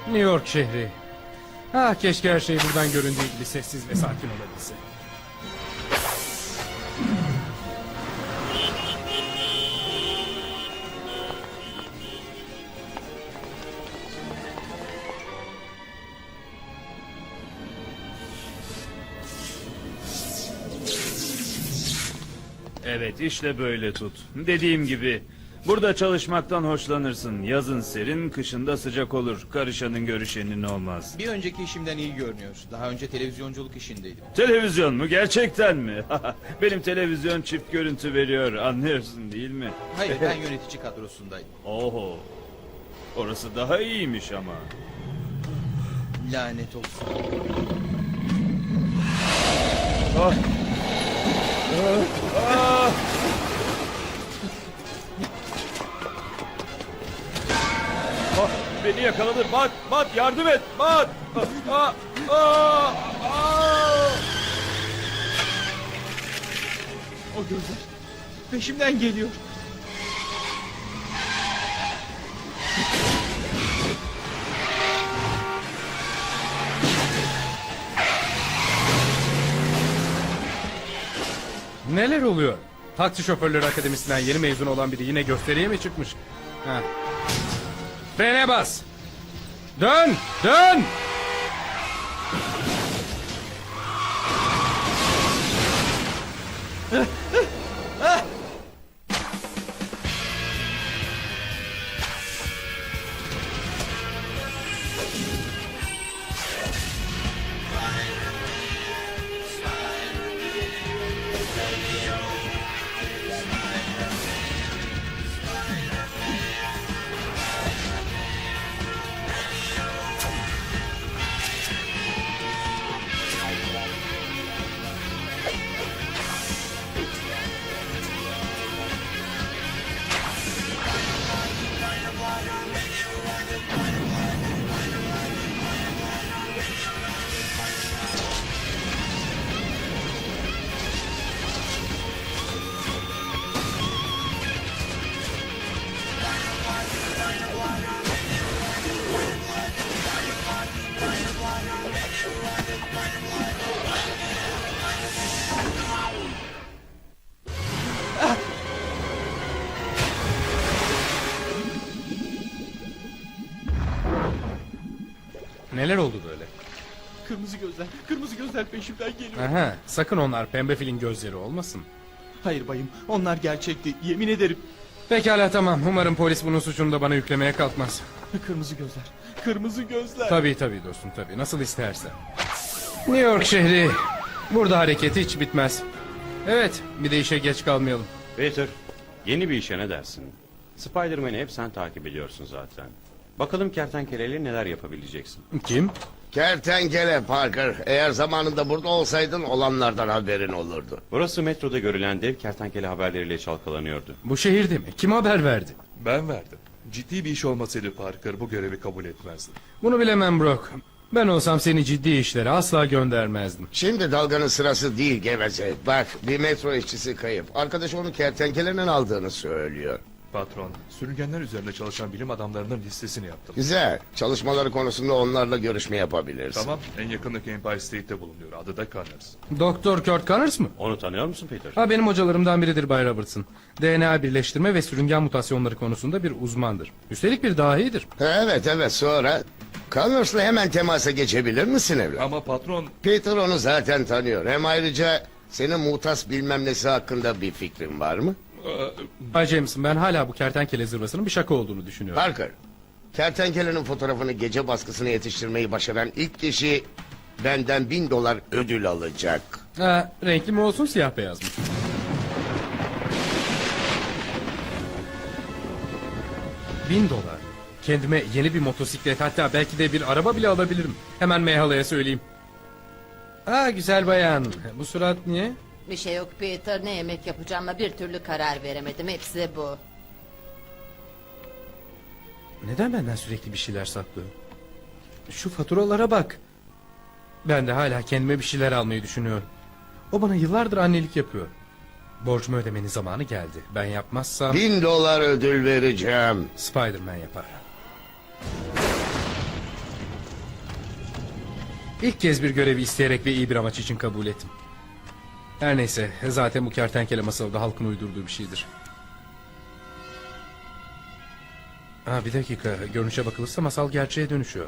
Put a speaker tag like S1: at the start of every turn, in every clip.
S1: New York şehri. Ah, keşke her şey buradan göründüğü gibi sessiz ve sakin olabilse.
S2: Evet, işte böyle tut. Dediğim gibi burada çalışmaktan hoşlanırsın. Yazın serin, kışında sıcak olur. Karışanın görüşenin olmaz.
S3: Bir önceki işimden iyi görünüyor. Daha önce televizyonculuk işindeydim.
S2: Televizyon mu? Gerçekten mi? Benim televizyon çift görüntü veriyor. Anlıyorsun değil mi?
S3: Hayır, ben yönetici kadrosundaydım.
S2: Oho. Orası daha iyiymiş ama.
S3: Lanet olsun.
S2: Ah. Ah, beni yakaladı. Bat, yardım et. Bat.
S3: O gözler peşimden geliyor.
S1: Neler oluyor? Taksi Şoförleri Akademisi'nden yeni mezun olan biri yine gösteriye mi çıkmış? Ha. Frene bas! Dön! Dön! Neler oldu böyle?
S3: Kırmızı gözler peşimden geliyor.
S1: Aha, sakın onlar pembe filin gözleri olmasın.
S3: Hayır bayım, onlar gerçekti, yemin ederim.
S1: Pekala, tamam. Umarım polis bunun suçunu da bana yüklemeye kalkmaz.
S3: Kırmızı gözler.
S1: Tabii dostum, tabii. Nasıl istersen. New York şehri. Burada hareket hiç bitmez. Evet, bir de işe geç kalmayalım.
S4: Peter, yeni bir işe ne dersin? Spider-Man'i hep sen takip ediyorsun zaten. Bakalım kertenkeleyle neler yapabileceksin.
S1: Kim?
S5: Kertenkele Parker. Eğer zamanında burada olsaydın olanlardan haberin olurdu.
S4: Burası metroda görülen dev kertenkele haberleriyle çalkalanıyordu.
S1: Bu şehirde mi? Kim haber verdi?
S6: Ben verdim. Ciddi bir iş olmasaydı Parker bu görevi kabul etmezdi.
S1: Bunu bilemem Brock. Ben olsam seni ciddi işlere asla göndermezdim.
S5: Şimdi dalganın sırası değil geveze. Bak, bir metro işçisi kayıp. Arkadaş onu kertenkelenin aldığını söylüyor.
S6: Patron, sürüngenler üzerinde çalışan bilim adamlarının listesini yaptım.
S5: Güzel. Çalışmaları konusunda onlarla görüşme yapabilirsin.
S6: Tamam, en yakındaki Empire State'te bulunuyor. Adı da Connors.
S1: Doktor Kurt Connors mı?
S4: Onu tanıyor musun Peter?
S1: Ha, benim hocalarımdan biridir Bay Robertson. DNA birleştirme ve sürüngen mutasyonları konusunda bir uzmandır. Üstelik bir dahidir.
S5: Evet, sonra... Connors'la hemen temasa geçebilir misin evlat?
S6: Ama patron,
S5: Peter onu zaten tanıyor. Hem ayrıca senin muhtas bilmem nesi hakkında bir fikrin var mı?
S1: Bay Jameson, ben hala bu kertenkele zırvasının bir şaka olduğunu düşünüyorum.
S5: Parker, kertenkelenin fotoğrafını gece baskısına yetiştirmeyi başaran ilk kişi benden $1000 ödül alacak.
S1: Ha, renkli mi olsun, siyah beyaz mı? $1000. Kendime yeni bir motosiklet, hatta belki de bir araba bile alabilirim. Hemen meyhalaya söyleyeyim. Aa, güzel bayan. Bu surat niye?
S7: Bir şey yok Peter, ne yemek yapacağıma bir türlü karar veremedim, hepsi bu.
S1: Neden benden sürekli bir şeyler saklıyor? Şu faturalara bak. Ben de hala kendime bir şeyler almayı düşünüyorum. O bana yıllardır annelik yapıyor. Borcumu ödemenin zamanı geldi. Ben yapmazsam
S5: $1000 ödül vereceğim.
S1: Spider-Man yapar. İlk kez bir görevi isteyerek ve iyi bir amaç için kabul ettim. Her neyse, zaten bu kertenkele masalı da halkın uydurduğu bir şeydir. Bir dakika, görünüşe bakılırsa masal gerçeğe dönüşüyor.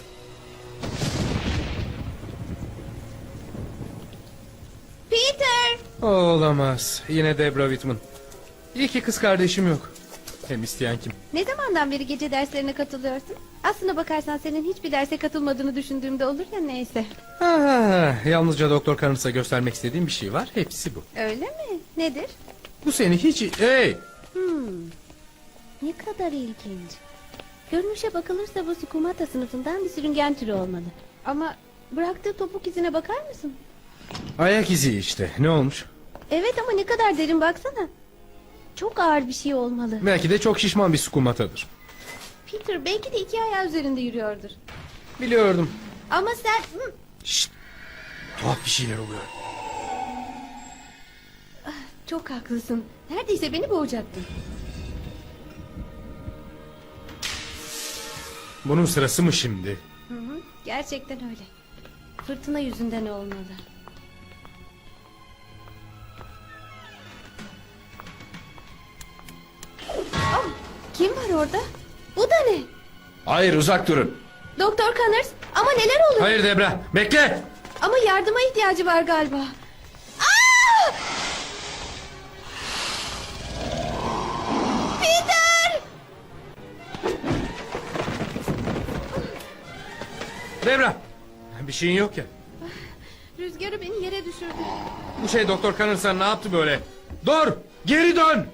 S8: Peter!
S1: Olamaz. Yine Debra Whitman. İyi ki kız kardeşim yok. Hem isteyen kim?
S8: Ne zamandan beri gece derslerine katılıyorsun? Aslına bakarsan senin hiçbir derse katılmadığını düşündüğümde olur ya, neyse.
S1: Yalnızca Doktor Carnes'a göstermek istediğim bir şey var. Hepsi bu.
S8: Öyle mi? Nedir?
S1: Bu seni hiç... Hey!
S8: Ne kadar ilginç. Görünüşe bakılırsa bu Skumata sınıfından bir sürüngen türü olmalı. Ama bıraktığı topuk izine bakar mısın?
S1: Ayak izi işte. Ne olmuş?
S8: Evet ama ne kadar derin, baksana. Çok ağır bir şey olmalı.
S1: Belki de çok şişman bir skumatadır.
S8: Peter belki de iki ayağı üzerinde yürüyordur.
S1: Biliyordum.
S8: Ama sen...
S1: Şşt! Tuhaf bir şeyler oluyor.
S8: Çok haklısın. Neredeyse beni boğacaktın.
S1: Bunun sırası mı şimdi?
S8: Gerçekten öyle. Fırtına yüzünden olmalı. Oh, kim var orada? Bu da ne?
S6: Hayır, uzak durun.
S8: Doktor Connors, ama neler oluyor?
S1: Hayır Debra, bekle!
S8: Ama yardıma ihtiyacı var galiba. Peter!
S1: Debra! Bir şeyin yok ya.
S8: Rüzgarı beni yere düşürdü.
S1: Bu şey Doktor Carnes'a ne yaptı böyle? Dur! Geri dön!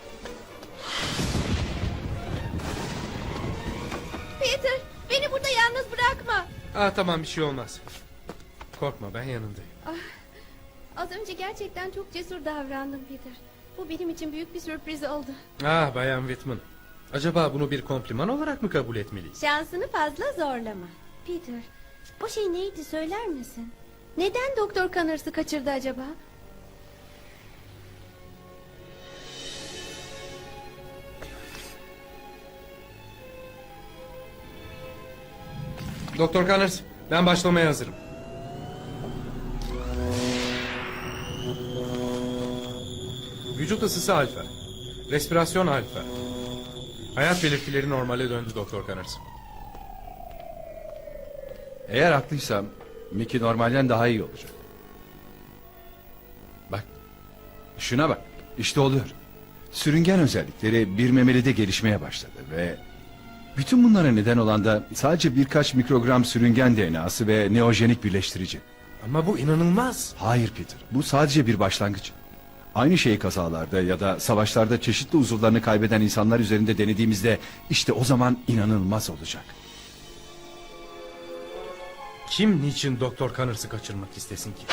S8: Peter, beni burada yalnız bırakma.
S1: Tamam, bir şey olmaz. Korkma, ben yanındayım.
S8: Az önce gerçekten çok cesur davrandım Peter. Bu benim için büyük bir sürpriz oldu.
S1: Bayan Whitman. Acaba bunu bir kompliman olarak mı kabul etmeliyiz?
S8: Şansını fazla zorlama. Peter, o şey neydi, söyler misin? Neden Doktor Connors'ı kaçırdı acaba?
S1: Doktor Connors, ben başlamaya hazırım. Vücut ısısı alfa. Respirasyon alfa. Hayat belirtileri normale döndü Doktor Connors.
S9: Eğer haklıysam Mickey normalden daha iyi olacak. Bak. Şuna bak. İşte oluyor. Sürüngen özellikleri bir memelide gelişmeye başladı ve bütün bunlara neden olan da sadece birkaç mikrogram sürüngen DNA'sı ve neojenik birleştirici.
S1: Ama bu inanılmaz.
S9: Hayır Peter, bu sadece bir başlangıç. Aynı şeyi kazalarda ya da savaşlarda çeşitli uzuvlarını kaybeden insanlar üzerinde denediğimizde işte o zaman inanılmaz olacak.
S1: Kim niçin Doktor Connors'ı kaçırmak istesin ki?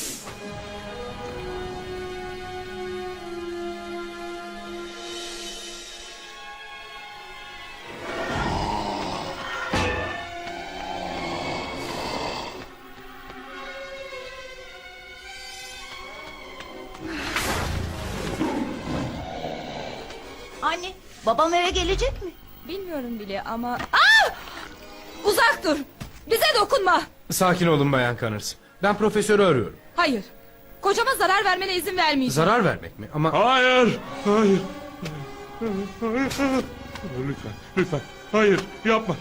S10: Anne, babam eve gelecek mi?
S11: Bilmiyorum bile ama... Uzak dur! Bize dokunma!
S1: Sakin olun Bayan Connors. Ben profesörü arıyorum.
S11: Hayır! Kocama zarar vermene izin vermeyeceğim.
S1: Zarar vermek mi? Ama...
S6: Hayır, hayır. Lütfen, lütfen. Hayır, yapma.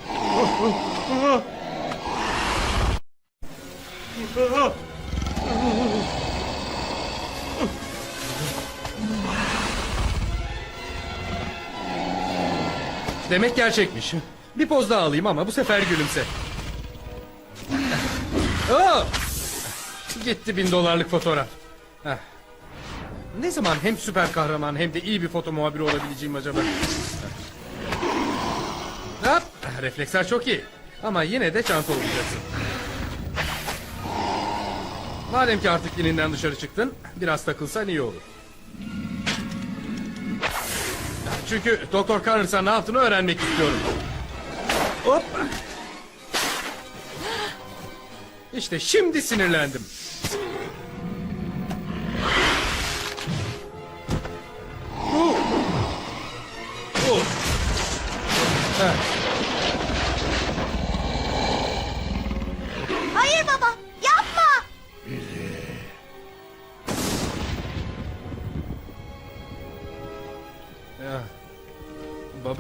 S1: Demek gerçekmiş. Bir poz daha alayım ama bu sefer gülümse. Gitti $1000 fotoğraf. Heh. Ne zaman hem süper kahraman hem de iyi bir foto muhabiri olabileceğim acaba? Hop, refleksler çok iyi. Ama yine de çanta olacaksın. Madem ki artık ilinden dışarı çıktın, biraz takılsan iyi olur. Çünkü Doktor Connors'a ne yaptığını öğrenmek istiyorum. Hop. İşte şimdi sinirlendim.
S10: Hayır baba,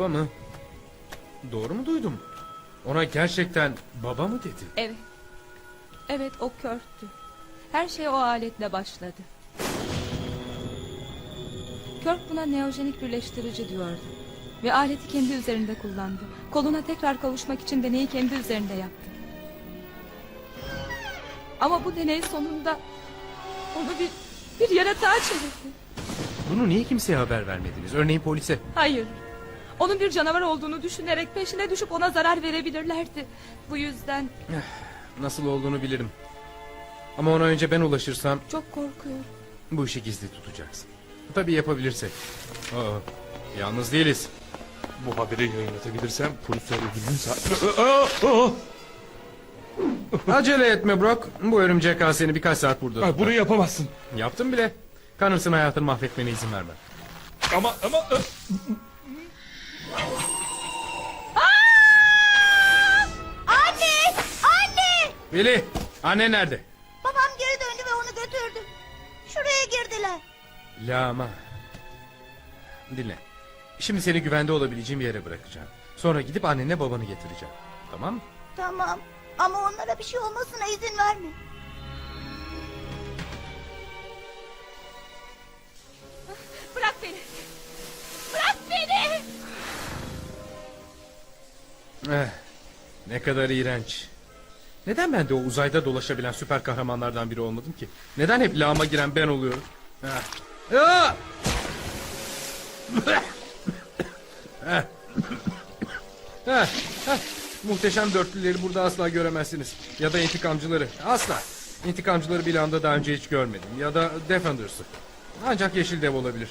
S1: Baba mı? Doğru mu duydum? Ona gerçekten baba mı dedi?
S11: Evet. Evet, o Kurt'tü. Her şey o aletle başladı. Kurt buna neojenik birleştirici diyordu. Ve aleti kendi üzerinde kullandı. Koluna tekrar kavuşmak için deneyi kendi üzerinde yaptı. Ama bu deney sonunda onu bir yaratığa çevirdi.
S1: Bunu niye kimseye haber vermediniz? Örneğin polise.
S11: Hayır. Onun bir canavar olduğunu düşünerek peşine düşüp ona zarar verebilirlerdi. Bu yüzden
S1: Nasıl olduğunu bilirim. Ama ona önce ben ulaşırsam
S11: çok korkuyorum.
S1: bu işi gizli tutacaksın. Tabii yapabilirsek. Aa, yalnız değiliz.
S6: Bu haberi yayınlatabilirsem polisler ödülünü
S1: Acele etme Brock. Bu örümcek ağ seni birkaç saat burada tutar.
S6: Bunu yapamazsın.
S1: Yaptım bile. Connors'ın hayatını mahvetmene izin vermem.
S6: Ama
S10: Anne! Anne!
S1: Billy, annen nerede?
S10: Babam geri döndü ve onu götürdü. Şuraya girdiler.
S1: Lama. Dinle. Şimdi seni güvende olabileceğim bir yere bırakacağım. Sonra gidip annenle babanı getireceğim. Tamam mı?
S10: Tamam. Ama onlara bir şey olmasına izin verme.
S11: Bırak beni. Bırak beni.
S1: Ne kadar iğrenç. Neden ben de o uzayda dolaşabilen süper kahramanlardan biri olmadım ki? Neden hep lağıma giren ben oluyorum? Ah! Muhteşem dörtlüleri burada asla göremezsiniz. Ya da intikamcıları. Asla. İntikamcıları bir anda daha önce hiç görmedim. Ya da Defenders'ı. Ancak Yeşil Dev olabilir.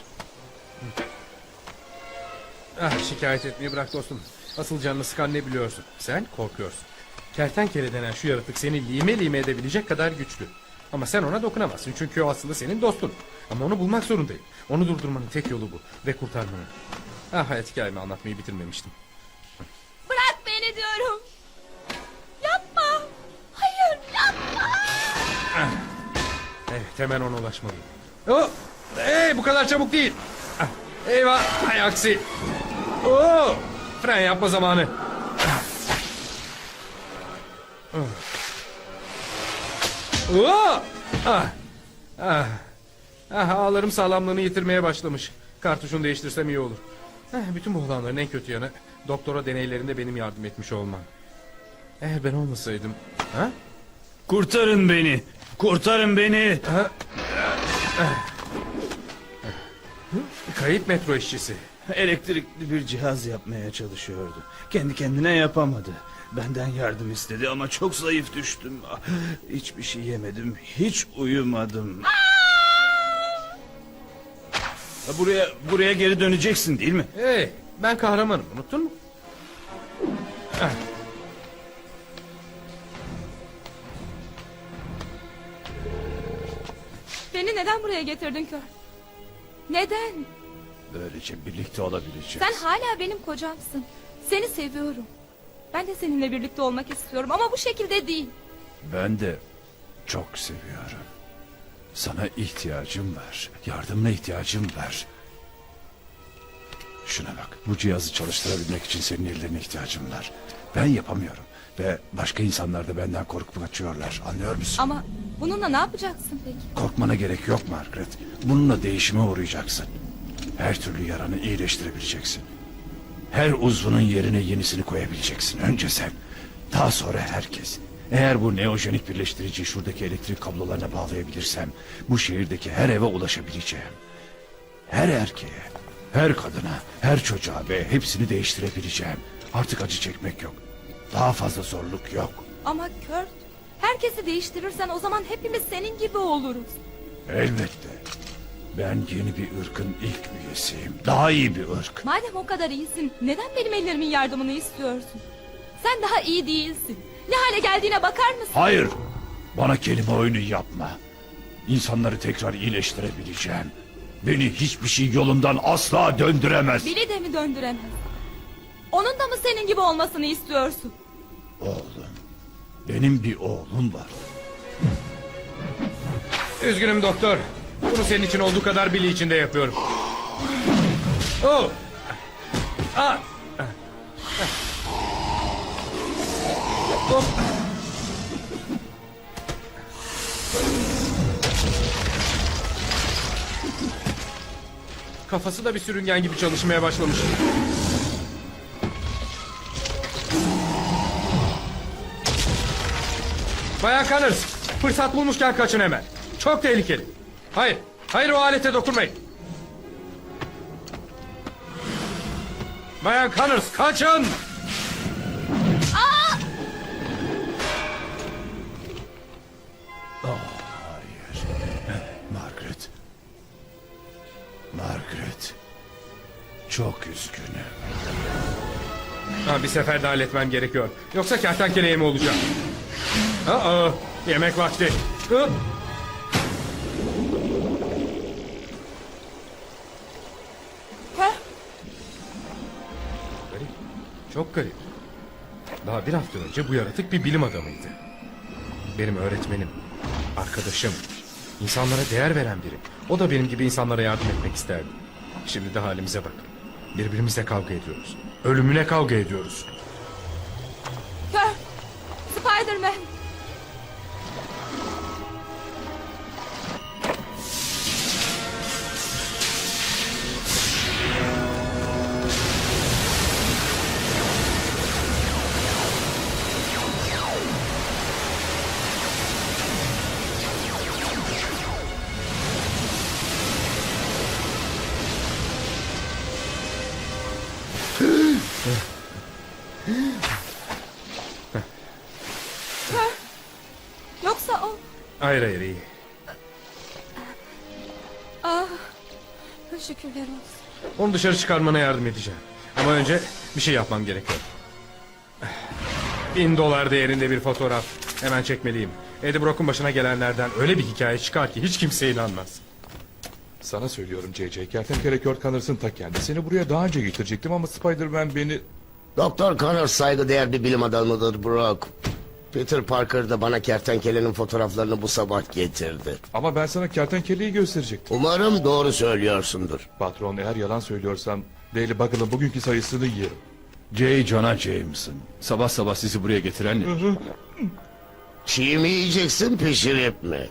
S1: Şikayet etmeyi bırak dostum. Asıl canını sıkan ne biliyorsun? Sen korkuyorsun. Kertenkele denen şu yaratık seni lime lime edebilecek kadar güçlü. Ama sen ona dokunamazsın çünkü o aslında senin dostun. Ama onu bulmak zorundayım. Onu durdurmanın tek yolu bu. Ve kurtarmanın. Hayat hikayemi anlatmayı bitirmemiştim.
S11: Bırak beni diyorum. Yapma. Hayır, yapma.
S1: Evet, hemen ona ulaşmalıyım. Hey, bu kadar çabuk değil. Eyvah, hay aksi. Fren yapma zamanı. Ağlarım sağlamlığını yitirmeye başlamış. Kartuşunu değiştirsem iyi olur. Bütün bu olanların en kötü yanı doktora deneylerinde benim yardım etmiş olmam. Eğer ben olmasaydım...
S2: Kurtarın beni. Kurtarın beni.
S1: Kayıp metro işçisi.
S2: Elektrikli bir cihaz yapmaya çalışıyordu. Kendi kendine yapamadı. Benden yardım istedi ama çok zayıf düştüm. Hiçbir şey yemedim. Hiç uyumadım. Buraya geri döneceksin değil mi?
S1: Hey, ben kahramanım, unuttun mu?
S11: Beni neden buraya getirdin Kurt? Neden?
S9: Böylece birlikte olabileceğiz.
S11: Sen hala benim kocamsın. Seni seviyorum. Ben de seninle birlikte olmak istiyorum ama bu şekilde değil.
S9: Ben de çok seviyorum. Sana ihtiyacım var. Yardımına ihtiyacım var. Şuna bak. Bu cihazı çalıştırabilmek için senin ellerine ihtiyacım var. Ben yapamıyorum. Ve başka insanlar da benden korkup kaçıyorlar. Anlıyor musun?
S11: Ama bununla ne yapacaksın peki?
S9: Korkmana gerek yok Margaret. Bununla değişime uğrayacaksın. Her türlü yaranı iyileştirebileceksin. Her uzvunun yerine yenisini koyabileceksin. Önce sen. Daha sonra herkes. Eğer bu neojenik birleştiriciyi şuradaki elektrik kablolarına bağlayabilirsem... bu şehirdeki her eve ulaşabileceğim. Her erkeğe, her kadına, her çocuğa ve hepsini değiştirebileceğim. Artık acı çekmek yok. Daha fazla zorluk yok.
S11: Ama Kurt, herkesi değiştirirsen o zaman hepimiz senin gibi oluruz.
S9: Elbette. Ben yeni bir ırkın ilk üyesiyim. Daha iyi bir ırk.
S11: Madem o kadar iyisin, neden benim ellerimin yardımını istiyorsun? Sen daha iyi değilsin. Ne hale geldiğine bakar mısın?
S9: Hayır. Bana kelime oyunu yapma. İnsanları tekrar iyileştirebileceğim. Beni hiçbir şey yolundan asla döndüremez.
S11: Billy de mi döndüremez? Onun da mı senin gibi olmasını istiyorsun?
S9: Oğlum. Benim bir oğlum var.
S1: Üzgünüm doktor. Bunu senin için olduğu kadar Billy için de yapıyorum. Hop. Kafası da bir sürüngen gibi çalışmaya başlamış. Bayan Connors, fırsat bulmuşken kaçın hemen. Çok tehlikeli. Hayır, hayır o alete dokunmayın. Bayan Connors, kaçın!
S9: Margaret. Margaret. Çok üzgünüm.
S1: Ha, bir seferde halletmem gerekiyor. Yoksa kertenkeleye mi olacağım? Aa, yemek vakti. Hop. Garip. Çok garip. Daha bir hafta önce bu yaratık bir bilim adamıydı. Benim öğretmenim, arkadaşım, insanlara değer veren biri. O da benim gibi insanlara yardım etmek isterdi. Şimdi de halimize bakın. Birbirimizle kavga ediyoruz. Ölümüne kavga ediyoruz.
S11: Kör! Spider-Man! Yoksa o...
S1: Hayır hayır iyi.
S11: Ah, şükürler olsun.
S1: Onu dışarı çıkarmana yardım edeceğim. Ama önce bir şey yapmam gerekiyor. $1000 değerinde bir fotoğraf. Hemen çekmeliyim. Eddie Brock'un başına gelenlerden öyle bir hikaye çıkar ki hiç kimse inanmaz.
S6: Sana söylüyorum C.C. Kertenkele Kurt Connors'ın ta kendisini buraya daha önce getirecektim ama Spider-Man beni...
S5: Doktor Connors saygıdeğer bir bilim adamıdır Brock. Peter Parker da bana kertenkelenin fotoğraflarını bu sabah getirdi.
S6: Ama ben sana kertenkeleyi gösterecektim.
S5: Umarım doğru söylüyorsundur.
S6: Patron, eğer yalan söylüyorsam Daily Buggle'ın bugünkü sayısını yerim.
S9: J. Jonah Jameson. Sabah sabah sizi buraya getiren ne?
S5: Çiğ mi yiyeceksin, pişirip mi?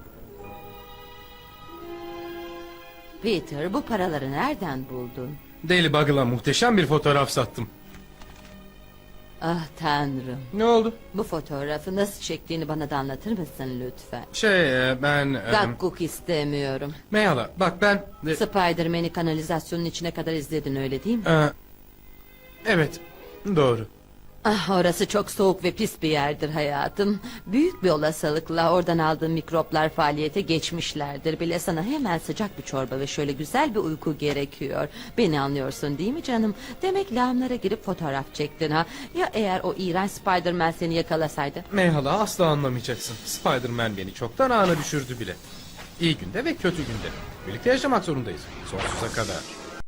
S7: Peter, bu paraları nereden buldun?
S1: Daily Buggle'a muhteşem bir fotoğraf sattım.
S7: Ah tanrım.
S1: Ne oldu?
S7: Bu fotoğrafı nasıl çektiğini bana da anlatır mısın lütfen?
S1: Ben...
S7: Gakkuk istemiyorum.
S1: Meyhala bak ben...
S7: Spider-Man'i kanalizasyonun içine kadar izledin öyle değil mi?
S1: Evet doğru.
S7: Ah, orası çok soğuk ve pis bir yerdir hayatım. Büyük bir olasılıkla oradan aldığım mikroplar faaliyete geçmişlerdir bile. Sana hemen sıcak bir çorba ve şöyle güzel bir uyku gerekiyor. Beni anlıyorsun değil mi canım? Demek lağımlara girip fotoğraf çektin ha? Ya eğer o iğrenç Spider-Man seni yakalasaydı?
S1: Meyhala asla anlamayacaksın. Spider-Man beni çoktan ağına düşürdü bile. İyi günde ve kötü günde. Birlikte yaşamak zorundayız. Sonsuza kadar.